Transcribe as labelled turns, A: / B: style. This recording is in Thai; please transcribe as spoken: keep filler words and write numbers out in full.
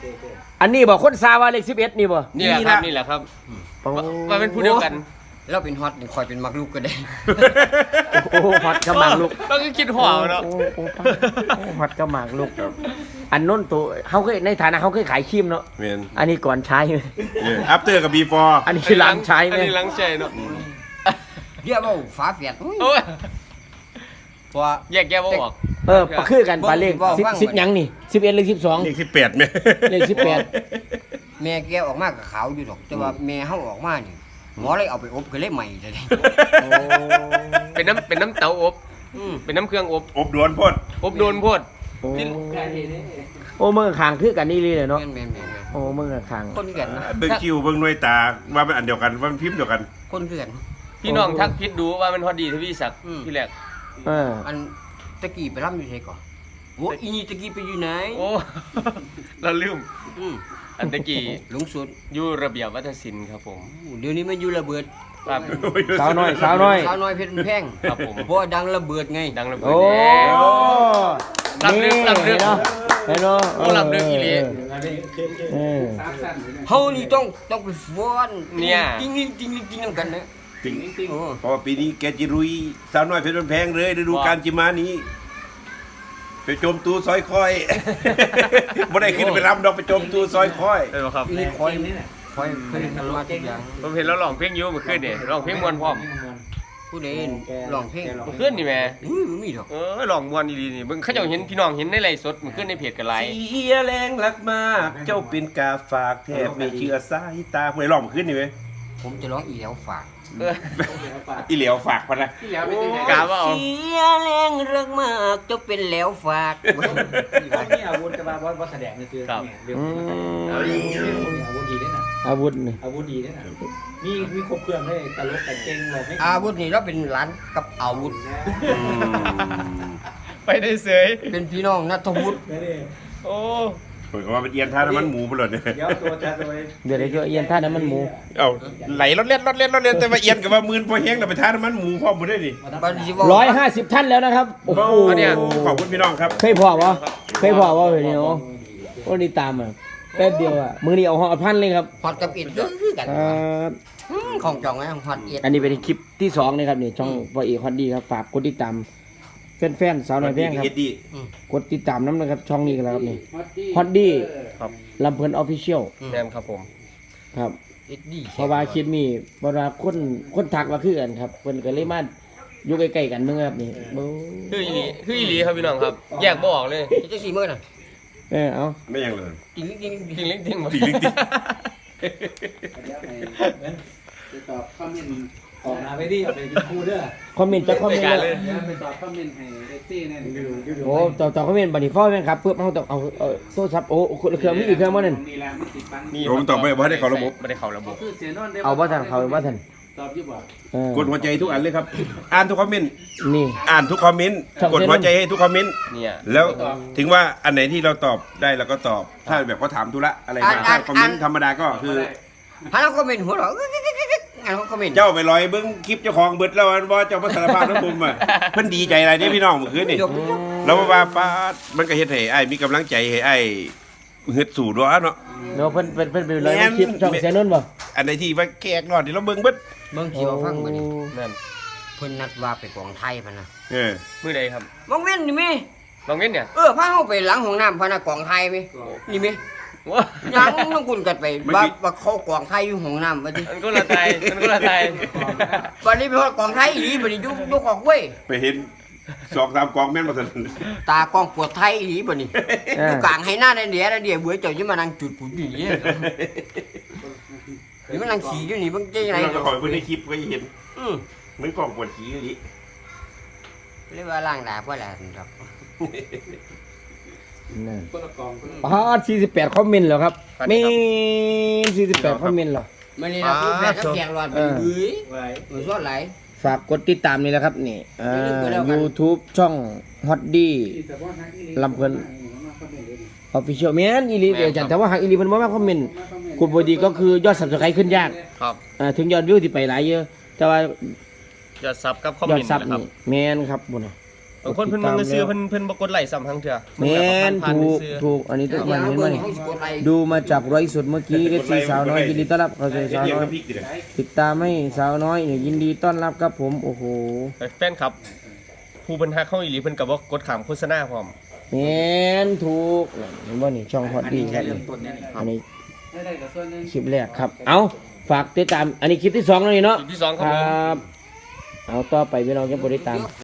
A: อันนี้บอกคนซาว่าเลขสิบเอ็ดนี่บ่
B: นี่แหละครับนี่แหละครับว่าเป็นผู้เดียวกัน
C: เราเป็นฮอตคอยเป็นมักลูกก็ได้
A: โอ้ฮอตก็หมากลูก
B: เราก็คิดหัวเนาะ
A: โอ้โอ้ฮอตก็หมากลูกอันน้นตัวเขาเคยในฐานะเขาเคยขายครีมเนาะ
D: แม่น
A: อันนี้ก่อนใช้
D: อัปเตอร์กับบีฟอร์
A: อันนี้คือหลังใช้ไหม
B: อันนี้หลังใช้เนาะ
C: เดี๋ยวเอาฝาแฝด
B: โอ้ย
C: เพราะว่า
B: แยกแยะบ่ออก
A: เออปะคือกันปลาเลขสิบสิบยังนี่สิบเอ็ดหรือสิบสอง
D: เลขสิบแปดไหม
A: เลขสิบแปด
C: แม่แกออกมากับขาวอยู่ดอก แต่ว่าแม่เฮาออกมานี่หมอเลยเอาไปอบก็เลยใหม่เลย
A: โอ้
B: เป็นน้ำเป็นน้ำเตาอบ
C: อืม
B: เป็นน้ำเครื่องอบ
D: อบดวนพ่น
B: อบโดนโพด
A: โอ้โอ้เมื่อขางคือกันนี่เลยเนาะ
C: แม่นแม่นแม่นแม่น
A: โอ้เมื่อขาง
C: คนคือกันนะ
D: เบิ่งคิวเบิ่งหน่วยตาว่าเป็นอันเดียวกันว่ามันพิมพ์เดียวกัน
C: คนคือกัน
B: พี่น้องทักพิดดูว่ามันฮอดดีทวีศักดิ์
C: อืม
B: ที่แรก
A: เออ
C: อันตะกี้ไปร่ำอยู่ไสก่อนโอ้อีนี่ตะกี้ไปอยู่ไหน
B: โอ้เราลืม
C: อืม
B: อันตะกี้
C: หลงสุด
B: อยู่ระเบียบวัฒนศิลป์ครับผม
C: เดี๋ยวนี้มันอยู่ระเบิด
B: ครับ
A: สาวน้อยสาวน้อย
C: สาวน้อยเพชรแพง
B: ครับผม
C: เพราะว่าดังระเบิดไง
B: ดังระเบิด
A: โอ้
B: แล้ว ลำลึกลำลึก
A: เนาะเห็นเนาะ
B: โอ้ลำลึกอีหลี
A: เออ
C: เฮานี่ต้องต้องไปฟ้อน
B: เนี่ย
C: จริงจริงจริงจริงนำกันนะ
D: จริง
C: โอ้
D: เพราะว่าปีนี้แกจิรุยสาวน้อยเพชรแพงเลยฤดูกาลจิมานี้ ไปโจมตูซอยคอย บ่ได้ขึ้นไปรำดอกไปโจมตูซอยคอย
B: ได้บ่ครับ
C: นี่คอยคอยเพิ่นทำมาทุกอย่าง
B: ผมเห็นเราร้องเพลงอยู่เมื่อคืนนี่ร้องเพลงม่วนพร้อม
C: ผู้ใดร้องเพลง
B: เมื่อคืนนี่แหม่
C: อุ้ยบ่มีดอก
B: เออร้องม่วนดีๆนี่เบิ่งเขาเจ้าเห็นพี่น้องเห็นในไลฟ์สดเมื่อคืนในเพจกันหลาย
D: เสียแรงรักมาก เจ้าเป็นกาฝากแทบไม่เชื่อสายตาผู้ใดร้องขึ้นนี่ไหม
C: ผมจะร้องอีแล้วฝาก
B: เออ
D: อีเหลียวฝากพะนะ
B: กาว่าเอา
C: เสียแรงรักมากเจ้าเป็นแล้วฝาก
E: นี่อาวุธจะมาบอสบอสแสดงนี่คือ
B: ครับ
E: เรื่อง
A: อืม
E: อาวุธดีด้วยนะ
A: อาวุธนี่
E: อาวุธดีด้วยนะมีมีครบเครื่องให้ตลกแต่เก่งเราไม่
C: อาวุธนี่เราเป็นหลานกับอาวุธ
B: ไปได้เสย
C: เป็นพี่น้องนัทวุฒิ
E: ไม่ได้
B: โอ้
D: ผมก็ว่าเป็นเอียนท่าน้ำมันหมูไปเลยเนี่ย
E: เดี๋ยวตัวจะตัว
A: เดี๋ยวเดี๋ยวเอียนท่าน้ำมันหมู
D: เอาไหลรถเล่นรถเล่นรถเล่นแต่ว่าเอียนกับว่ามืนพอแห้งแต่ไปท่าน้ำมันหมูพ่อหมดได้ดิ
C: บัดนี้สิว่า
A: ร้อยห้าสิบท่านแล้วนะครับโอ้โห
D: ขอบคุณพี่น้องครับ
A: เคยพอวะเคยพอวะเดี๋ยวโอ้นี่ตามอ่ะแป๊บเดียวอ่ะมือนี้เอาห่อพันเลยครับ
C: ฮอตกับอิดคือกัน
A: ครับ
C: อืมของจองไงฮอตอิด
A: อันนี้เป็นคลิปที่สองนะครับนี่ช่องพอเอกฮอตดีครับฝากกดติดตามแฟนๆสาวน้อยแพงครับ
D: เอ็ดดี้
A: กดติดตามน้ำนะครับช่องนี้กันแล้วครับนี่ฮอตดี
B: ครับ
A: ลำเพลินออฟฟิเชียล
B: แซมครับผม
A: ครับ
C: อิดดี
A: เพราะว่าคลิปนี้เพราะว่าคนคนทักมาคือกันครับเพิ่นก็เลยมาอยู่ใกล้ๆกันเมื่อครับนี่โอ้
B: คืออีหลีคืออีหลีครับพี่น้องครับ แยกบ่ออกเลย
C: จังซี่มื้อน่ะ
A: เออเอา
D: ไม่ยังเลย
C: จริงจริง
B: จริงเล็กจริงหมด
D: จริงจริง
E: จะตอบคอมเมนต์ออกมาไปดิเอาไปเป็นคู่เด้อ
A: คอมเมนต์จะคอมเมนต์
B: รายการ
A: เล
B: เลย ย
E: เดี๋ยวไปตอบคอมเมนต์ให้เอซี่เนี่ยอยู่อยู่
A: โอ้ต่อต่อคอมเมนต์บัดนี้พ่อแม่นครับเพื่อเฮาต้องเอาเอาโทรศัพท์โอ้เครื่องมีอีกเครื่องบ่นั่น
E: นี่แหละมันติดปัง
B: นี่
D: ผมตอบไม่ว่าได้เข้าระบบ
B: ไม่ได้เข้าระบบ
E: คือเสียนอนได้
A: เอาบ่ทันเขาบ่ทัน
E: ตอบยี่บ่
A: เออก
D: ดหัวใจทุกอันเลยครับ อ่านทุกคอมเมนต์
A: นี่
D: อ่านทุกคอมเมนต์
A: ช่อง
D: กดหัวใจให้ทุกคอมเมนต์
B: เนี่ย
D: แล้วถึงว่าอันไหนที่เราตอบได้เราก็ตอบ ถ้าแบบเขาถามธุระอะไรมาถ้าคอมเมนต์ธรรมดาก็คือ
C: หาเราคอมเมนต์หัวเราะอันเขาคอมเมนต์
D: เจ้าไปลอยเบิ้งคลิปเจ้าของเบิดแล้วอันว่าเจ้ามาสารภาพทั้งมุมอ่ะเพิ่นดีใจอะไรเนี่ยพี่น้องเมื่อคืนนี่
C: จบ
D: แล้วว่าป้าดมันก็เฮ็ดให้ไอ้ายมีกำลังใจให้ไอ้ายฮึดสู่ด้วยเนาะ
A: เนาะเพิ่นเพิ่นเพิ่นไปเลยคลิปช่องเสียนนท์บ่
D: อันไหนที่ว่าแขกรอดที่เราเบิ่งเบิด
C: เบิ่งสิว่าฟังบ่นี่
B: นั่น
C: เพิ่นนัดว่าไปกองไทยพะนะ
D: เออ
B: มือใดครับ
C: มองเว้นนี่แม่
B: ลองเล่นเนี่ย
C: เออพาเฮาไปหลังห้องน้ำพะนะกองไทยแม่นี่แม่
B: ว้า
C: ยังต้องกุนกันไปว่าว่าเขากองไทยอยู่ห้องน้ำว่าดิ
B: มันก็ละไทยมันก็ละไทย
C: วันนี้ไปฮอดกองไทยอีหลีบัดนี้อยู่อยู่กองเว้ย
D: ไปเห็นสองสามกองแม่นบ่ทัน
C: ตากองปวดไทยอีหลีบัดนี้อยู่กลางให้หน้าในเดียในเดียเบื่อเจ้าจะมานั่งจุดปุ๋ยอยู่นี่นี่มันนั่งขี่อยู่นี่เบิ่งใจไหน
D: เราจะคอยเพิ่นในคลิปก็เห็น
C: อือ
D: เหมือนกองปวดขี้อยู่ดิ
C: เรียกว่าล่างดาบ่ล่ะครับ
A: นั่น
E: คนละกองคนละ
A: ปาดสี่สิบแปดคอมเมนต์แล้วครับมีสี่สิบแปดคอมเมนต์แล้ว
C: มื้อนี้นะผู้แฟนกับแขกรอดเป็นเบื้อย
E: ไว้
C: มือสอดไหล
A: ฝากกดติดตามนี่แหละครับนี่เอ่
C: อย่าลืมกดแล้ว
A: อ
C: กัน
A: YouTube ช่องฮอตดี
E: ที่แต่ว่าทางอี
A: ลำเพลิน ออฟฟิเชียลแม่นอีหลีเดียวจันแต่ว่าหากอีหลีเพิ่นบ่มาคอมเมนต์กดบ่ดีก็คือยอด Subscribe ขึ้นยาก
B: ครับ
A: อ่าถึงยอดวิวที่ไปหลายเยอะ แต่ว่าย
B: อดซับกับคอม
A: ยอ
B: เม
A: ด
B: นต์
A: ซับ
B: นะครับ
A: นี่แม่นครับบุญน่ะ
B: บางคนเพิ่นมึงก็ซื้อเพิ่นเพิ่นบ่กดไลค์ซ้ำทั้งเทื่อ
A: แม่น
B: ผ่าน
A: ถูก
B: ๆซื้อ
A: ถูกอันนี้ต้องมันเห็นไหมนี่ดูมาจากร้อยสุดเมื่อกี้เอฟซีสาวน้อยยินดีต้อนรับเข้าสู่สาว
D: เกี่ยว
A: น้อ
D: กั
A: ย
D: บพริกดิ
A: ติดตามให้สาวน้อยเนี่ยยินดีต้อนรับครับผมโอ้โห
B: แฟนครับ ผู้เพิ่นฮักเฮาอีหลีเพิ่นก็บ่กดข้ามโฆษณาพร้อม
A: แม่นถูกเห็นบ่นี่ช่องฮอตดีครับ
E: เริ่
A: นี่
E: มต้นเนี่ยนี่
A: อันนี้
E: ได้ได้กับส่วนหนึง
A: คลิปแรกครับ เอาฝากติดตามอันนี้คลิปที่สองแล้วนี่เนาะ
B: คลิปที่สองค
A: ครับ
B: ผม
A: รับเอาต่อไปพี่น้องจะบริตาม